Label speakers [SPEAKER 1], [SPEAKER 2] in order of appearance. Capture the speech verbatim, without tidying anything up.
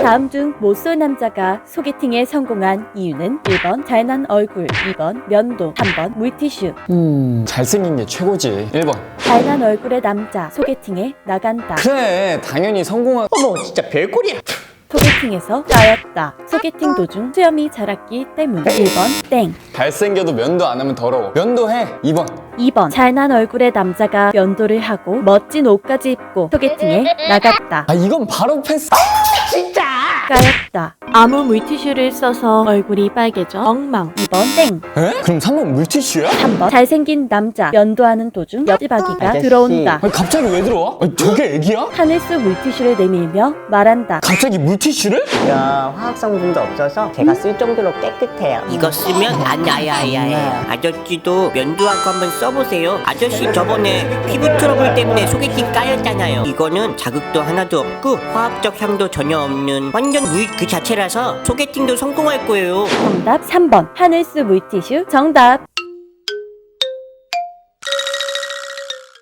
[SPEAKER 1] 다음 중 못쏠 남자가 소개팅에 성공한 이유는 일 번 잘난 얼굴, 이 번 면도, 삼 번 물티슈.
[SPEAKER 2] 음 잘생긴 게 최고지. 일 번.
[SPEAKER 1] 잘난 얼굴의 남자 소개팅에 나간다.
[SPEAKER 2] 그래 당연히 성공한.
[SPEAKER 3] 어머 진짜 별꼴이야.
[SPEAKER 1] 소개팅에서 까였다. 소개팅 도중 수염이 자랐기 때문. 일 번 땡.
[SPEAKER 2] 잘생겨도 면도 안 하면 더러워. 면도해. 이 번.
[SPEAKER 1] 이 번 잘난 얼굴의 남자가 면도를 하고 멋진 옷까지 입고 소개팅에 나갔다.
[SPEAKER 2] 아 이건 바로 패스.
[SPEAKER 3] 진짜.
[SPEAKER 1] 까였다. 아무 물티슈를 써서 얼굴이 빨개져 엉망. 이 번 땡.
[SPEAKER 2] 에? 그럼 삼 번 물티슈야?
[SPEAKER 1] 삼 번 잘생긴 남자 면도하는 도중 옆집 아기가
[SPEAKER 3] 아저씨.
[SPEAKER 1] 들어온다.
[SPEAKER 2] 아니 갑자기 왜 들어와? 아니, 저게 애기야?
[SPEAKER 1] 하늘수 물티슈를 내밀며 말한다.
[SPEAKER 2] 갑자기 물티슈를?
[SPEAKER 3] 야 화학 성분도 없어서 제가 쓸 정도로 깨끗해요.
[SPEAKER 4] 이거 쓰면 안 야야야해요. 아저씨도 면도하고 한번 써보세요. 아저씨 저번에 피부 트러블 때문에 소개팅 까였잖아요. 이거는 자극도 하나도 없고 화학적 향도 전혀 없는 완전 물 그 자체라서 소개팅도 성공할 거예요.
[SPEAKER 1] 정답 삼 번 하늘수 물티슈 정답.